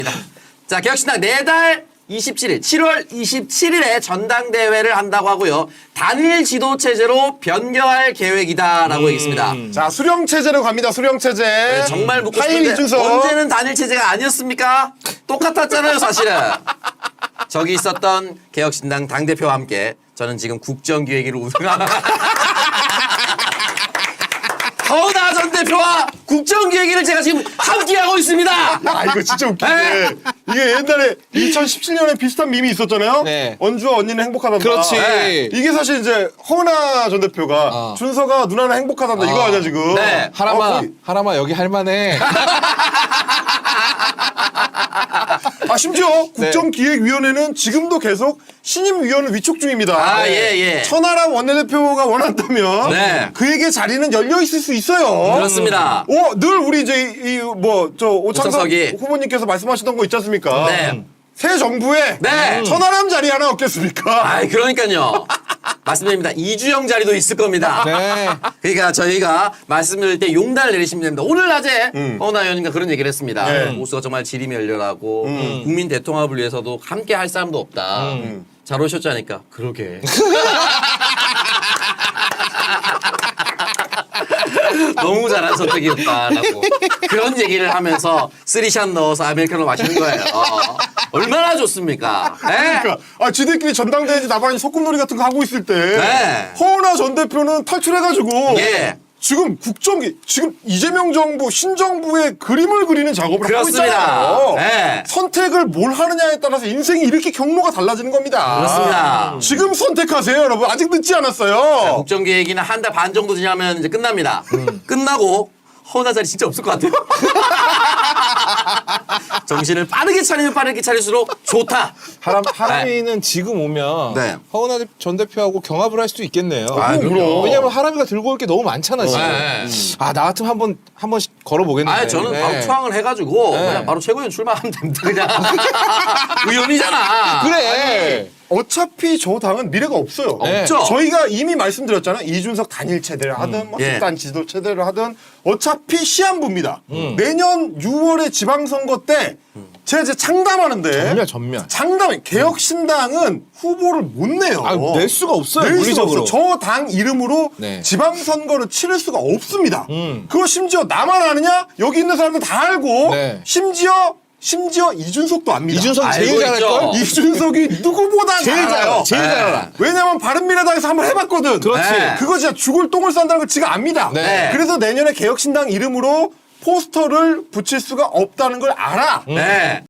자, 개혁신당 내달 27일, 7월 27일에 전당대회를 한다고 하고요. 단일 지도체제로 변경할 계획이다라고 얘기했습니다. 자, 수령체제로 갑니다. 수령체제. 네, 정말 묻고 하일 싶은데 이준석. 언제는 단일체제가 아니었습니까? 똑같았잖아요, 사실은. 저기 있었던 개혁신당 당대표와 함께 저는 지금 국정기획위를 우승한 허은하 전 대표와 국정기획위를 제가 지금 함께하고 있습니다. 아, 이거 진짜 웃긴데. 이게 옛날에 2017년에 비슷한 밈이 있었잖아요. 네. 언주와 언니는 행복하단다. 그렇지. 네. 이게 사실 이제 허은하 전 대표가 준서가 누나는 행복하단다. 이거 아니야, 지금. 네. 하라마 여기 할만해. 아, 심지어 국정기획위원회는 지금도 계속 신임위원을 위촉 중입니다. 아, 예. 천하람 원내대표가 원한다면 네. 그에게 자리는 열려 있을 수 있어요. 그렇습니다. 늘 우리 이제 오창석 오창석이. 후보님께서 말씀하시던 거 있지 않습니까? 네. 새 정부에 네. 천하람 자리 하나 없겠습니까? 아이, 그러니까요. 말씀드립니다. 이주영 자리도 있을 겁니다. 네. 그러니까 저희가 말씀드릴 때 용단을 내리시면 됩니다. 오늘 낮에 허은하 의원님과 그런 얘기를 했습니다. 네. 보수가 정말 질이 멸렬하고 국민 대통합을 위해서도 함께 할 사람도 없다. 잘 오셨자니까 그러게. 너무 잘한 선택이었다라고 그런 얘기를 하면서 쓰리샷 넣어서 아메리카노 마시는 거예요. 얼마나 좋습니까? 네? 그러니까 지들끼리 전당대회 나발이 소꿉놀이 같은 거 하고 있을 때 네. 허은하 전 대표는 탈출해가지고 예. 지금 지금 이재명 정부 신정부의 그림을 그리는 작업을 그렇습니다. 하고 있잖아요. 네. 선택을 뭘 하느냐에 따라서 인생이 이렇게 경로가 달라지는 겁니다. 그렇습니다. 지금 선택하세요, 여러분. 아직 늦지 않았어요. 국정기획위는 한 달 반 정도 지나면 이제 끝납니다. 끝나고 허은하 자리 진짜 없을 것 같아요. 정신을 빠르게 차리면 빠르게 차릴수록 좋다. 하람이는 지금 오면 네. 허은하 전 대표하고 경합을 할 수도 있겠네요. 아, 그럼요. 왜냐면 하람이가 들고 올 게 너무 많잖아 지금. 네. 나 같으면 한 번씩 걸어보겠는데. 아, 저는 네. 바로 초항을 해가지고 네. 그냥 바로 최고위원 출마하면 됩니다. 그냥 의원이잖아. 그래. 어차피 저 당은 미래가 없어요. 네. 없죠. 저희가 이미 말씀드렸잖아요. 이준석 단일 체대를 하든 예. 집단 지도 체대를 하든 어차피 시한부입니다. 내년 6월에 지방선거 때 제가 이제 창담하는데 전면. 개혁신당은 후보를 못 내요. 낼 수가 없어요. 낼 수가 물리적으로. 없어요. 저 당 이름으로 네. 지방선거를 치를 수가 없습니다. 그거 심지어 나만 아느냐? 여기 있는 사람들 다 알고 네. 심지어 이준석도 압니다. 이준석 제일 알고 잘할 있죠. 걸. 이준석이 누구보다 제일 잘 알아요. 제일 잘 알아. 왜냐면 바른미래당에서 한번 해봤거든. 그렇지. 네. 그거 진짜 죽을 똥을 싼다는 걸 지가 압니다. 네. 그래서 내년에 개혁신당 이름으로 포스터를 붙일 수가 없다는 걸 알아. 네.